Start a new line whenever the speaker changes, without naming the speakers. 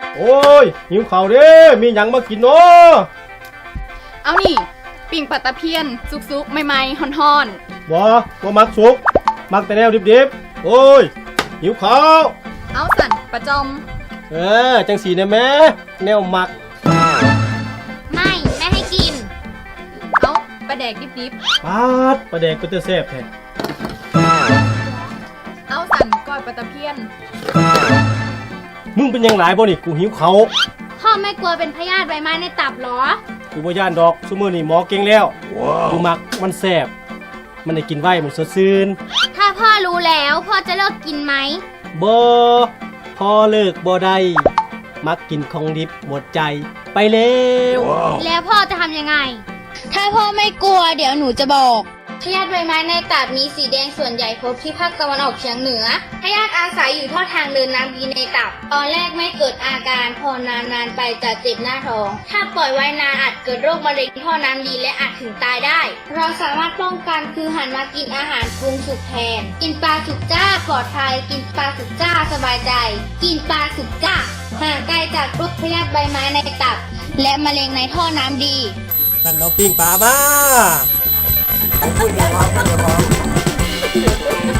โอ้ยหิวข้าวเด้มีหยังมากินเนาะ
เอานี่ปิ่งปลาตะเพียนสุกๆใหม่ๆฮ้อน
บ่มักสุกมักแต่แนวดิบๆโอ้ยหิวข้าว
ๆเอาสั่นปลาจอม
จังสีเนี่ยแม่แนวมัก
ไม่ให้กิน
เอาปลาแดกดิบ
ปาดปลาแดกก็จะแซ่บแท้
ๆเอาสั่นก้อยปลาตะเพียน
มึงเป็นหยังหลายบ่นี่กูหิวข้าว
พ่อไม่กลัวเป็นพยาธิใบไม้ในตับหรอ
กูบ่ย่านดอกซุมื้อนี้หมอเก่งแล้วกูมักมันแซ่บมันได้กินไว้มันสดชื่น
ถ้าพ่อรู้แล้วพ่อจะเลิกกินไหม
บ่พอเลิกบ่ได้มักกินของดิบหมดใจไปแล้ว
แล้วพ่อจะทำยังไง ถ้าพ่อไม่กลัวเดี๋ยวหนูจะบอกพยาธิใบไม้ในตับมีสีแดงส่วนใหญ่พบที่ภาคตะวันออกเฉียงเหนือพยาธิอาศัยอยู่ท่อทางเดินน้ำดีในตับ ตอนแรกไม่เกิดอาการพอนานๆไปจะเจ็บหน้าท้อง ถ้าปล่อยไว้นานอาจเกิดโรคมะเร็งท่อน้ำดีและอาจถึงตายได้ เราสามารถป้องกันคือหันมากินอาหารปรุงสุกแทน กินปลาสุกจ้าปลอดภัย กินปลาสุกจ้าสบายใจ กินปลาสุกจ้าห่างไกลจากโรคพยาธิใบไม้ในตับ และมะเร็งในท่อน้ำดี
นั่นเอาปิ้งปลามา
พูดเดี๋ยวพอ